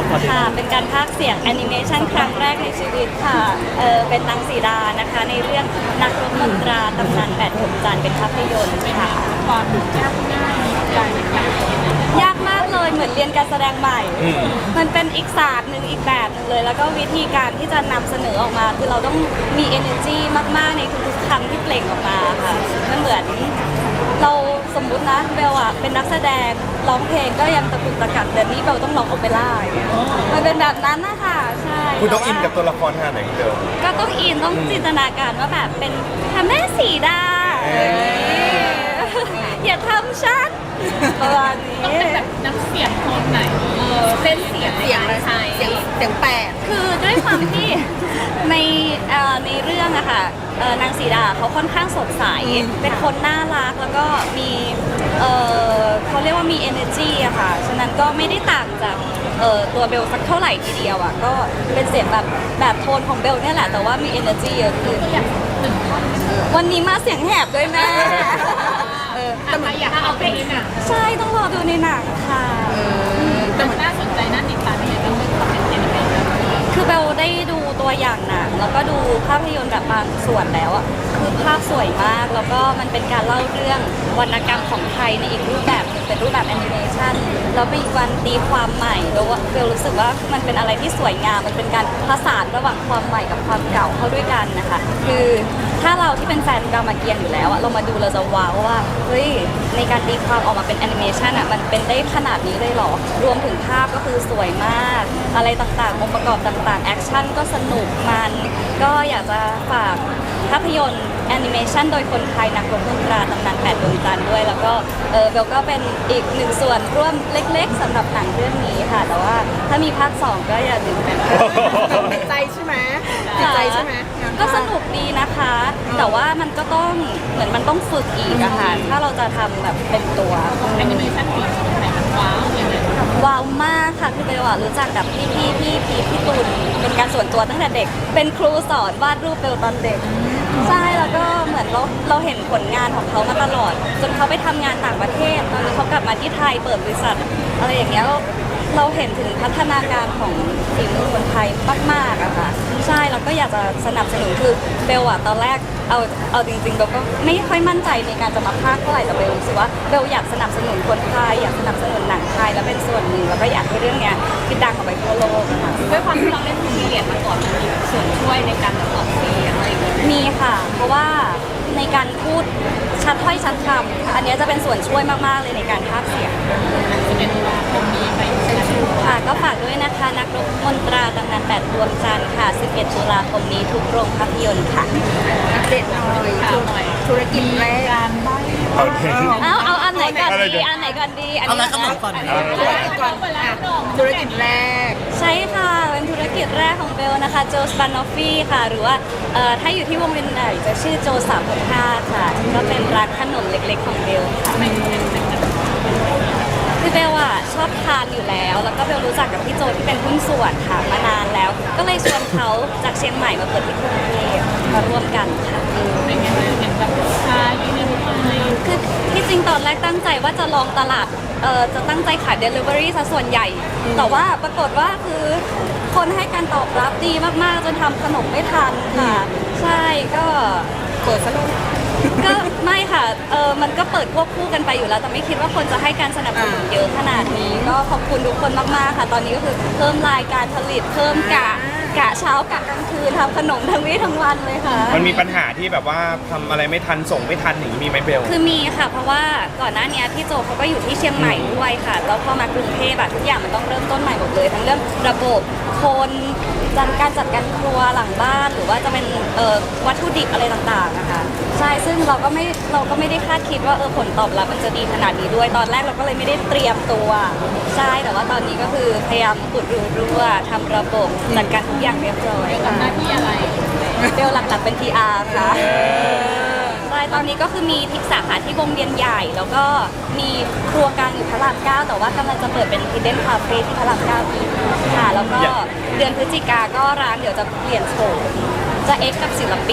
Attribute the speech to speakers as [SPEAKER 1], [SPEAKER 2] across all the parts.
[SPEAKER 1] ค่ะเป็นการพากย์เสียงแอนิเมชันครั้งแรกในชีวิตค่ะเป็นนางสีดานะคะในเรื่องนักรบมนตราตำนาน8 หนจันทร์เป็นภาพยนตร์ค่ะ
[SPEAKER 2] ความยากง่าย
[SPEAKER 1] ยากมากเลยเหมือนเรียนการแสดงใหม่ มันเป็นอีกศาสตร์หนึ่งอีกแบบหนึ่งเลย แล้วก็วิธีการที่จะนำเสนอออกมาคือเราต้องมี energy มากๆในทุกๆคำที่เปล่งออกมาค่ะมันเหมือนเราสมมุตินะเบลอะเป็นนักแสดงร้องเพลงก็ยังตะกุกตะกักแต่นี่เบลต้องร้องโอเปร่าอย่างเงี้ยมันเป็นแบบนั้นนะคะใช่
[SPEAKER 3] คุณต้องอินกับตัวละครขนาดไหนเดิม
[SPEAKER 1] ก็ต้องอินต้องจินตนาการว่าแบบเป็นพระแม่สีดาอย่าทำฉันประมาณนี้
[SPEAKER 2] ต้องเป็นแบบน้ำเสียงโทนไหนเส้นเสียงอะไร
[SPEAKER 4] เสียงแปด
[SPEAKER 1] คือด้วยความที่ในเรื่องอะค่ะนางสีดาเขาค่อนข้างสดใสเป็นคนน่ารักแล้วก็มีเขาเรียกว่ามี energy อะค่ะฉะนั้นก็ไม่ได้ต่างจากตัวเบลสักเท่าไหร่ทีเดียวอะก็เป็นเสียงแบบโทนของเบลเนี่ยแหละแต่ว่ามี energy เยอะขึ้นวันนี้มาเสียงแหบด้วยแม่
[SPEAKER 2] แต่ใครอยากเอาเพลงนี้น่ะ
[SPEAKER 1] ใช่ต้องรอดูในหนังค่ะ
[SPEAKER 2] แต่มันน่าสนใจน่าติดตามอย่างต้องเป็นความเป็นเอ็นเอ
[SPEAKER 1] คือเบลได้ดูตัวอย่างหนังแล้วก็ดูภาพยนตร์แบบบางส่วนแล้วอ่ะคือภาพสวยมากแล้วก็มันเป็นการเล่าเรื่องวรรณกรรมของไทยในอีกรูปแบบหนึงเป็นรูปแบบแอนิเมชันแล้วมีการตีความใหม่แล้วเบลรู้สึกว่ามันเป็นอะไรที่สวยงามมันเป็นการผสานระหว่างความใหม่กับความเก่าเข้าด้วยกันนะคะคือถ้าเราที่เป็นแฟนรามเกียรติ์อยู่แล้วอะเรามาดูเราจะว้าวว่าเฮ้ยในการตีความออกมาเป็นแอนิเมชันอะมันเป็นได้ขนาดนี้เลยเหรอรวมถึงภาพก็คือสวยมากอะไรต่างๆองค์ประกอบต่างๆแอคชั่นก็สนุกมันก็อยากจะฝากภาพยนตร์แอนิเมชันโดยคนไทยนักรบมนตราตำนาน8 ดวงจันทร์ด้วยแล้วก็เบลก็เป็นอีกหนึ่งส่วนร่วมเล็กๆสำหรับหนังเรื่องนี้ค่ะแต่ว่าถ้ามีภาค 2ก็อย่าลืมกัน
[SPEAKER 4] ติดใจใช่ไหมติดใจใช่ไหม
[SPEAKER 1] ก็สนุกดีนะคะแต่ว่ามันก็ต้องเหมือนมันต้องฝึกอีกอะค่ะถ้าเราจะทำแบบเป็นตัว
[SPEAKER 2] แอนิเมชันผีของไทยมันว้าวอย่างเงี้ย
[SPEAKER 1] ว้าวมากค่ะคือเบลรู้จักกับพี่ตูนเป็นการส่วนตัวตั้งแต่เด็กเป็นครูสอนวาดรูปเบลตอนเด็กใช่แล้วก็เหมือนเราเห็นผลงานของเขามาตลอดจนเขาไปทำงานต่างประเทศตอนนี้เขากลับมาที่ไทยเปิดบริษัทอะไรอย่างเงี้ยเราเห็นถึงพัฒนาการของฝีมือคนไทยมากๆอะค่ะใช่เราก็อยากจะสนับสนุนคือเบลอะตอนแรกเอาจริงๆเบลก็ไม่ค่อยมั่นใจในการจะมาพากย์เท่าไหร่แต่เบลรู้สึกว่าเบลอยากสนับสนุนคนไทยอยากสนับสนุนหนังไทยและเป็นส่วนหนึ่งแล้วก็อยากให้เรื่องเนี้ยคือดังออกไปทั่วโลกค่ะ
[SPEAKER 2] ด้วยความที่เราเล่นพีเรียดมาก่อนมันมีส่วนช่วยในการออกเสียงอะไรอย่างเงี้ย
[SPEAKER 1] มีค่ะเพราะว่าในการพูดชัดถ้อยชัดคำอันนี้จะเป็นส่วนช่วยมากๆเลยในการพากย์เสียง
[SPEAKER 2] 11 ตุลาคมนี้ไป
[SPEAKER 1] ค่ะก็ฝากด้วยนะคะนักรบมนตราตำนาน8 ดวงจันทร์ค่ะ11 ตุลาคมนี้ทุกโรงภาพยนตร์ค่ะ
[SPEAKER 4] อัปเดตหน่อยธุรกิจแรก
[SPEAKER 2] การใบ้
[SPEAKER 1] เอาอันไหนก่อนดีอันไหนก่อนดีอันนี้
[SPEAKER 4] ก่อนธุรกิจแรก
[SPEAKER 1] ใช่ค่ะเป็นธุรกิจแรกของเบลนะคะโจสปานอฟฟี่ค่ะหรือว่าถ้าอยู่ที่วงเวียนใหญ่จะชื่อโจ365ค่ะก็เป็นร้านขนมเล็กๆของเบลค่ะคือเบลอะชอบทานอยู่แล้วแล้วก็เบลรู้จักกับพี่โจที่เป็นหุ้นส่วนค่ะมานานแล้วก็เลยชวนเขาจากเชียงใหม่มาเปิดที่กรุงเทพมาร่วมกันค่ะ
[SPEAKER 2] เป็นไงเห็นแบบชาอยู่ในไทย
[SPEAKER 1] คือที่จริงตอนแรกตั้งใจว่าจะลองตลาดจะตั้งใจขาย Delivery ซะส่วนใหญ่แต่ว่าปรากฏว่าคือคนให้การตอบรับดีมากๆจนทำขนมไม่ทันค่ะใช่ก็
[SPEAKER 4] เปิดซะเลย
[SPEAKER 1] ก็ไม่ค่ะมันก็เปิดควบคู่กันไปอยู่แล้วแต่ไม่คิดว่าคนจะให้การสนับสนุนเยอะขนาดนี้ก็ขอบคุณทุกคนมากๆค่ะตอนนี้ก็คือเพิ่มรายการผลิตเพิ่มกะเช้ากะกลางคืนทำขนมทั้งวี่ทั้งวันเลยค่ะ
[SPEAKER 3] มันมีปัญหาที่แบบว่าทำอะไรไม่ทันส่งไม่ทันอย่างนี้มีไหมเบล
[SPEAKER 1] คือมีค่ะเพราะว่าก่อนหน้านี้พี่โจเขาก็อยู่ที่เชียงใหม่ด้วยค่ะแล้วพอมากรุงเทพทุกอย่างมันต้องเริ่มต้นใหม่หมดเลยทั้งเรื่องระบบคนการจัดการครัวหลังบ้านหรือว่าจะเป็นวัตถุดิบอะไรต่างๆนะคะใช่ซึ่งเราก็ไม่ได้คาดคิดว่าผลตอบรับมันจะดีขนาดนี้ด้วยตอนแรกเราก็เลยไม่ได้เตรียมตัวใช่แต่ว่าตอนนี้ก็คือพยายามอุดรูรั่วทำระบบจัดการทุกอย่างเรียบร้อย
[SPEAKER 2] ทำหน้าที่อะไร
[SPEAKER 1] เบลหลักๆเป็น PR ค่ะใช่ตอนนี้ก็คือมีที่สาขาที่วงเวียนใหญ่แล้วก็มีครัวกลางอยู่พระราม9แต่ว่ากำลังจะเปิดเป็น Hidden Cafe ที่พระราม9อีกค่ะแล้วก็เดือนพฤศจิกาก็ร้านเดี๋ยวจะเปลี่ยนโฉมจะเอ็กกับศิลปินมี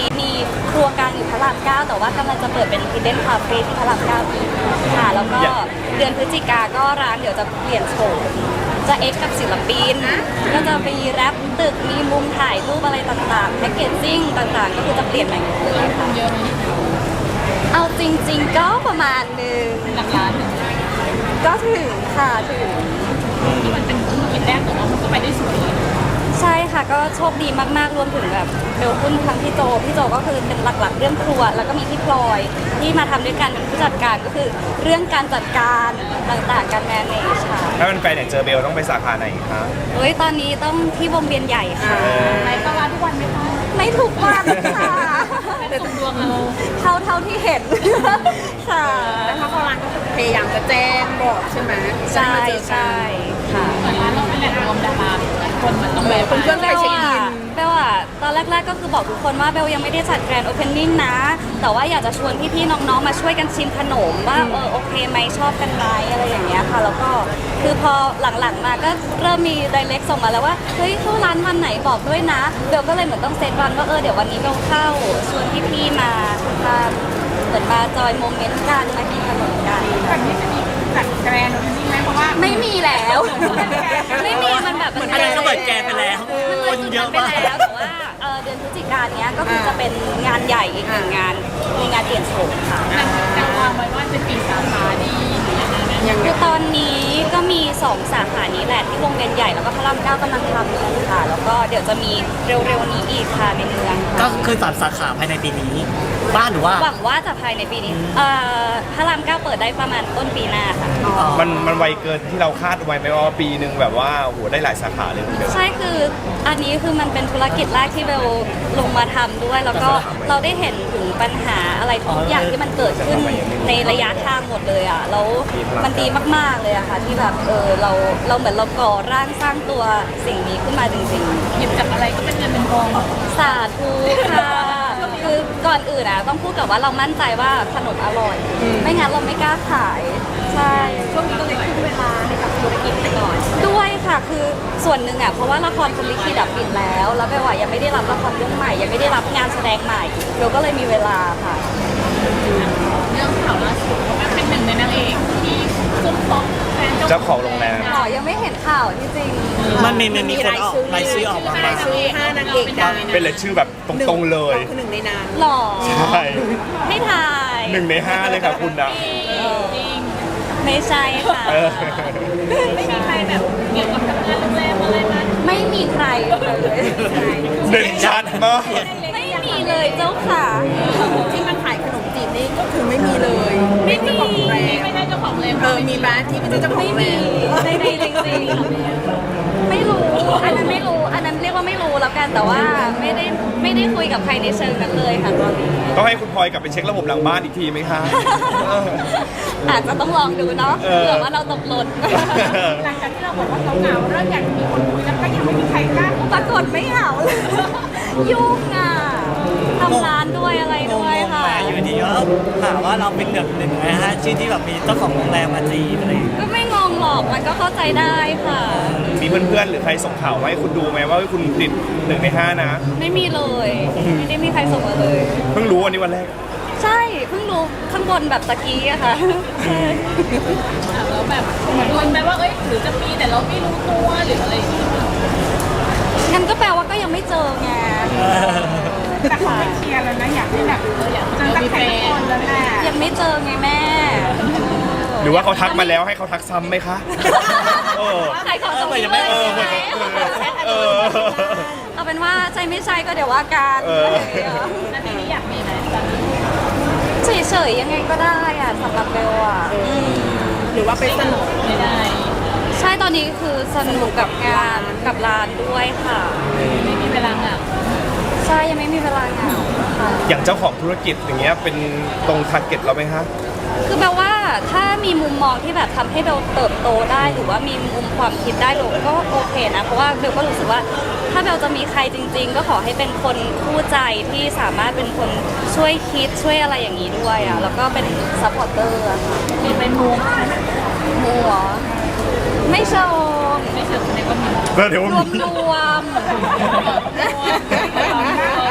[SPEAKER 1] ครัวกลางอยู่พระรามเก้าแต่ว่ากำลังจะเปิดเป็น Hidden Cafe ที่พระรามเก้าอีกค่ะแล้วก็เดือนพฤศจิกาก็ร้านเดี๋ยวจะเปลี่ยนโฉมจะเอ็กกับศิลปินก็จะมีแรปตึกมีมุมถ่ายรูปอะไรต่างๆแพคเกจจิ้งต่างๆ ก็คือจะเปลี่ยนใหม่หมดเลยค่ะ
[SPEAKER 2] เยอะไหม
[SPEAKER 1] เอาจริง ๆ ก็ประมาณหนึ่ง
[SPEAKER 2] หลักล้าน
[SPEAKER 1] ก็ถึงค่ะถึง
[SPEAKER 2] ที่มันเป็นธุรกิจแรกแต่ว่ามันก็ไปได้สวยเลย
[SPEAKER 1] ใช่ค่ะก็โชคดีมากๆรวมถึงแบบเบลคุณทั้งพี่โจก็คือเป็นหลักๆเรื่องครัว แล้วก็มีพี่พลอยที่มาทำด้วยกันเป็นผู้จัดการก็คือเรื่องการจัดการต่างๆการแมネจค่ะ
[SPEAKER 3] ถ้ามันไปไหนเจอเบลต้องไปสาขาไหนคะ
[SPEAKER 1] เฮ้ยตอนนี้ต้องที่วงเวียนใหญ่ค่ะ
[SPEAKER 2] ไปก็ร้านทุกวันไหมคะ
[SPEAKER 1] ไม่ถูกวันค่ะ
[SPEAKER 2] แต่ส่งดวงเรา
[SPEAKER 1] เท่าที่เห็นค่ะ
[SPEAKER 4] แต่ถ้าเขาร้านก็พยายามจะแจ้งบอกใช่ไหม
[SPEAKER 1] ใช่ใช่ค่ะ
[SPEAKER 2] เหมือนร้านเราเป็นแหล่งรวมดาราคนมันต้องแวะ
[SPEAKER 4] เพื่อนๆไปเช็คอิน
[SPEAKER 1] เบลอะตอนแรกๆก็คือบอกทุกคนว่าเบลยังไม่ได้จัดแกรนด์โอเพนนิ่งนะ แต่ว่าอยากจะชวนพี่ๆน้องๆมาช่วยกันชิมขนมว่าโอเคไหมชอบกันไหมอะไรอย่างเงี้ยค่ะ แล้วก็คือพอหลังๆมาก็เริ่มมีไดเรกส่งมาแล้วว่าเฮ้ยเข้าร้านวันไหนบอกด้วยนะเบลก็เลยเหมือนต้องเซตวันว่าเดี๋ยววันนี้เบลเข้าชวนพี่ๆมาเหมือนมาจอยโมเมนต์กันมากินขนมกัน
[SPEAKER 2] แบบนี้จะมีจัดแกรนด์โอเพนนิ่งไหมเพราะว่า
[SPEAKER 1] ไม่มีแล้ว ไม่มีมันแบบ
[SPEAKER 5] อันนั้นก็เปิดแกนไปแล้ว คนเยอะมาก
[SPEAKER 1] ไปแล้วแต่ว่าเดือนพฤศจิกายนเนี้ยก็คือจะเป็นงานใหญ่อีกหนึ่งงานมีงานเปลี่ยนโฉมค่ะ
[SPEAKER 2] จะวางไว้ว่าจะปีสาขาดีหรือยังไงนะ
[SPEAKER 4] ยังไง
[SPEAKER 1] คือตอนนี้ก็มี 2 สาขานี้แหละที่วงเวียนใหญ่แล้วก็พระรามเก้ากำลังทำอยู่ค่ะ แล้วก็เดี๋ยวจะมีเร็วๆนี้อีกค่ะในเมือง
[SPEAKER 5] ก็
[SPEAKER 1] ค่ะ
[SPEAKER 5] คือ3 สาขาภายในปีนี้ บ้านหรือว่า
[SPEAKER 1] หวังว่าจะภายในปีนี้พระรามเก้าเปิดได้ประมาณต้นปีหน้าค่ะ
[SPEAKER 3] มันไวเกินที่เราคาดไว้ไหมว่าปีหนึ่งแบบว่าโหได้หลายสาขาเลยคุณเบล
[SPEAKER 1] ใช่คืออันนี้คือมันเป็นธุรกิจแรกที่เบลลงมาทำด้วย แล้วก็เราได้เห็นถึงปัญหาอะไรทุกอย่างที่มันเกิดขึ้นในระยะทางหมดเลยอ่ะแล้วมันดีมากๆเลยอะค่ะที่แบบเราเหมือนเราก่อร่างสร้างตัวสิ่งนี้ขึ้นมาจริง
[SPEAKER 2] หยิบจากอะไรก็เป็นเงินเป็นทอง
[SPEAKER 1] ๆ สาธุค่ะคือก่อนอื่นอะต้องพูดกับว่าเรามั่นใจว่าขนมอร่อย ไม่งั้นเราไม่กล้าขายใช่
[SPEAKER 2] ช่วงนี้ก็เลยทุ่มเวลาให้กับธุรกิจไปก่อน
[SPEAKER 1] ด้วยค่ะคือส่วนหนึ่งอ่ะเพราะว่าละครคุณลิขิตดับปิดแล้วเบลว่ายังไม่ได้รับละครเรื่องใหม่ยังไม่ได้รับงานแสดงใหม่เบลก็เลยมีเวลาค่ะ
[SPEAKER 2] เรื่องข่าวล่าสุดว่าเป็นหนึ่งในนางเอกที่ซุ่มซบแฟน
[SPEAKER 3] เจ้าของโรงแรม
[SPEAKER 1] อ๋อยังไม่เห็นข่าวที่จริง
[SPEAKER 5] มันมีคนออกรายชื่อออกมา
[SPEAKER 4] รายชื่อ5นางเอกดัง
[SPEAKER 3] เป็นเลยชื่อแบบตรงๆเลย
[SPEAKER 4] คือหนึ่งในนั้น
[SPEAKER 1] หล่อ
[SPEAKER 3] ใช่
[SPEAKER 1] ให้ทาย
[SPEAKER 3] 1 ใน 5เลยค่ะคุณนะ
[SPEAKER 2] จริง
[SPEAKER 1] ไม่ใช่ค่ะ
[SPEAKER 3] เออ
[SPEAKER 2] ไม่มีใครแบบเกี่ยวกับทำงานโรงแรมอะไรมา
[SPEAKER 1] ไม่มีใครเลย
[SPEAKER 3] เด่นชัดมาก
[SPEAKER 1] ไม่มีเลยเจ้าค่ะ
[SPEAKER 4] ที่มันขายขนมจีบนี่ก็คือไม่มีเลย
[SPEAKER 1] ไม่มี
[SPEAKER 4] เจ้าของโรงแรม
[SPEAKER 2] ไม่ได้เจ้าของเลย
[SPEAKER 4] มีบ้านที่ไม่ใช่เจ้าของ
[SPEAKER 1] ไม่
[SPEAKER 4] โรงแร
[SPEAKER 1] มี
[SPEAKER 4] ม
[SPEAKER 1] ไม่มีจริงๆไม่รู้อันนั้นไม่รู้อันนั้นเรียกว่าไม่รู้แล้วกันแต่ว่าไม่ได้คุยกับใครในเชิงนั้นเลยค่ะตอนนี้
[SPEAKER 3] ต้องให้คุณพลอยกลับไปเช็คระบบหลังบ้านอีกทีไหมคะเออ
[SPEAKER 1] อาจจะต้องลองดูเนาะ
[SPEAKER 3] เออ
[SPEAKER 1] เผื่อว่าเราตกหล่น
[SPEAKER 2] หลังจากที่เราบอกว่าเขาเหงาเริ่มอยากมีคนคุยแล้วก็ยังไม่มีใครกล้า
[SPEAKER 1] ปรากฏไม่เหงาเลยยุ่งอ่ะทำร้านด้วยอะไร
[SPEAKER 5] ง
[SPEAKER 1] ด้วย
[SPEAKER 5] ง
[SPEAKER 1] ค่ะ
[SPEAKER 5] ๆมาอยู่ดีก็ถามว่าเราเป็น1 ใน 5ชื่อที่แบบมีเจ้าของโรงแรมมาจีบอะไรอย่างเงี้ย
[SPEAKER 1] ก็ไม่งงหรอกมันก็เข้าใจได้ค่ะ
[SPEAKER 3] มีเพื่อนๆหรือใครส่งข่าวมาให้คุณดูไหมว่าคุณติด1 ใน 5นะ
[SPEAKER 1] ไม่มีเลย ไม่ได้มีใครส่งมาเลย
[SPEAKER 3] เพิ่งรู้วันนี้วันแรก
[SPEAKER 1] ใช่เพิ่งรู้ข้างบนแบบตะกี้อะค่ะ
[SPEAKER 2] แล้วแบบเหมือนคนไปว่าเอ้ยหรือจะมีแต่เราไม่รู้ตัวหรืออะไรอย่างเงี้ย
[SPEAKER 1] งั้นก็แปลว่าก็ยังไม่เจอไง
[SPEAKER 2] แต่เขาไม่เคลียร์แล้วนะอยากให้แบบอยากเจอใครสักคนแล้วแหละ
[SPEAKER 1] ยังไม่เจอไงแม่
[SPEAKER 3] หรือว่าเขาทักมาแล้วให้เขาทักซ้ำไหมคะเออ
[SPEAKER 1] ใครขอตรงนี้
[SPEAKER 5] ยังไม่
[SPEAKER 1] เลย
[SPEAKER 3] เออ
[SPEAKER 1] ใช่ไหม
[SPEAKER 3] เออ
[SPEAKER 1] เอาเป็นว่าใช่ไม่ใช่ก็เดี๋ยวว่ากัน
[SPEAKER 3] เออ
[SPEAKER 2] แล้วทีนี้อยากมีไหมตอนนี้
[SPEAKER 1] เฉยๆยังไงก็ได้อะสำหรับเบลอะม
[SPEAKER 4] หรือว่าไปสนุก
[SPEAKER 2] ไม่ได้
[SPEAKER 1] ใช่ตอนนี้คือสนุกกับงานกับร้านด้วยค่ะ
[SPEAKER 2] ไม่มีเวลาเหงา
[SPEAKER 1] ใช่ยังไม่มีเวลาเหงาค่ะ
[SPEAKER 3] อย่างเจ้าของธุรกิจอย่างเงี้ยเป็นตรงทาร์เก็ตเราไหมคะ
[SPEAKER 1] คือแปลว่าถ้ามีมุมมองที่แบบทำให้เบลเติบโตได้หรือว่ามีมุมความคิดได้เบลก็โอเคนะเพราะว่าเบลก็รู้สึกว่าถ้าเบลจะมีใครจริง ๆ ก็ขอให้เป็นคนคู่ใจที่สามารถเป็นคนช่วยคิดช่วยอะไรอย่างนี้ด้วยอ่ะแล้วก็เป็นซัพพอร์เตอร์อะค่ะ
[SPEAKER 2] มีเป็นมูฟ
[SPEAKER 1] มัวไม่เชิง
[SPEAKER 2] ไม่เชิงในก็มี
[SPEAKER 3] ก็เดี๋ยว
[SPEAKER 1] รวม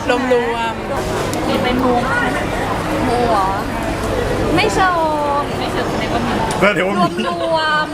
[SPEAKER 4] รวมรวม
[SPEAKER 2] มีเป็นมู
[SPEAKER 1] มัวไม่ชม
[SPEAKER 2] ไม่เชิงในว่ามี
[SPEAKER 3] ก็เดี๋ยว
[SPEAKER 1] รวมรวม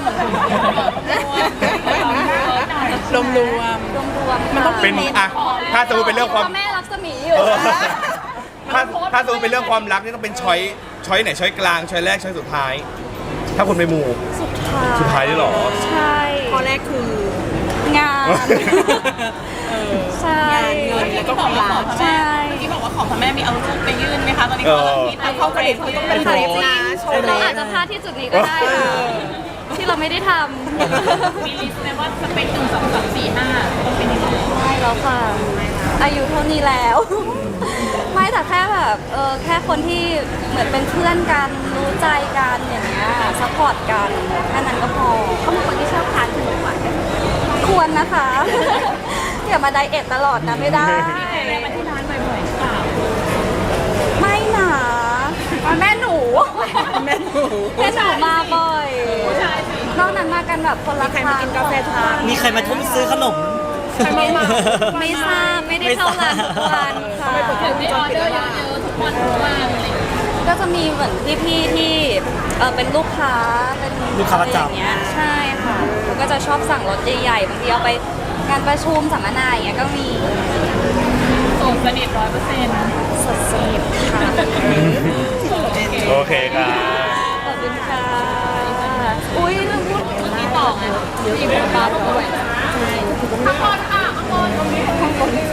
[SPEAKER 4] รวมรวม
[SPEAKER 1] รวม
[SPEAKER 4] มันต้อง
[SPEAKER 3] เป็นอ่ะถ้าสมมติเป็นเรื่องความ
[SPEAKER 1] พ่อแม่รักษมีอยู่
[SPEAKER 3] เออถ้าสมมติเป็นเรื่องความรักนี่ต้องเป็นช้อยไหนช้อยกลางช้อยแรกช้อยสุดท้าย ถ้าคุณไปหมู่ สุดท้ายด้วยเหรอ
[SPEAKER 1] ใช่
[SPEAKER 4] ข้อแรกคือง
[SPEAKER 1] านใช่
[SPEAKER 4] งานเงินแล้วก็ความรัก
[SPEAKER 1] ใช่
[SPEAKER 2] ที่บอกว่าของพ่อแม่มีเอารูปไปยื่นไหมคะตอนนี้
[SPEAKER 3] เออ
[SPEAKER 2] เขาเขากระเด็นเขาต้อง
[SPEAKER 4] เป็
[SPEAKER 2] เป็น น
[SPEAKER 4] คลิปนะโชว์เล
[SPEAKER 1] เรา
[SPEAKER 4] ย
[SPEAKER 1] อาจจะพลาดที่จุดนี้ก็ได้ค่ะที่เราไม่ได้ท
[SPEAKER 2] มีลิสต์ไหมว่าสเปค1 2 3 4 5ต้องเป็นยังไง
[SPEAKER 1] ำไม่แล้วค่ะ อายุเท่านี้แล้ว ไม่แต่แค่แบบแค่คนที่เหมือนเป็นเพื่อนกันรู้ใจกันอย่างเงี้ยซัพพอร์ตกันแค่นั้นก็พอเขาเป็นคนที่ชอบทานขนมหวานควรนะคะ อย่ามาไดเอทตลอดนะไม่ได้
[SPEAKER 2] แม่มาที่ร้านบ่อยๆหรือเปล่า
[SPEAKER 1] ไม่หนาแม่หนู
[SPEAKER 4] แม่หนู
[SPEAKER 1] แม่หนูมาบ่อย
[SPEAKER 2] ผู้ชายสิ
[SPEAKER 1] นอกนั้นมากันแบบคนละ
[SPEAKER 4] ใครมากินกาแฟทุกวัน
[SPEAKER 5] มีใครมาทุ่มซื้อขนม
[SPEAKER 1] ไม่ทราบไม่ได้เข้าร้านทุกวันค่ะ
[SPEAKER 2] ถึงได้ออเดอร์เยอะๆทุกวันทุกวันอะไรอย่างเงี้ย
[SPEAKER 1] ก็จะมีเหมือนพี่ๆที่เป็นลูกค้าเป็น
[SPEAKER 5] ลูกค้าประจำ
[SPEAKER 1] อไอย่งเงี้ยใช่ค่ะเขาก็จะชอบสั่งรถใหญ่ๆบางทีเอาไปงานประชุมสัมมนาอย่างเงี้ยก็มี
[SPEAKER 2] โสดสนิท100%
[SPEAKER 1] สดสนิทค่ะ
[SPEAKER 3] โอเคครับ
[SPEAKER 1] ขอบคุณค่ะอุ้ยลืมพูด
[SPEAKER 2] มีต่อไงมีคนบ้าบอกว่าข้างบนค่ะข้างบน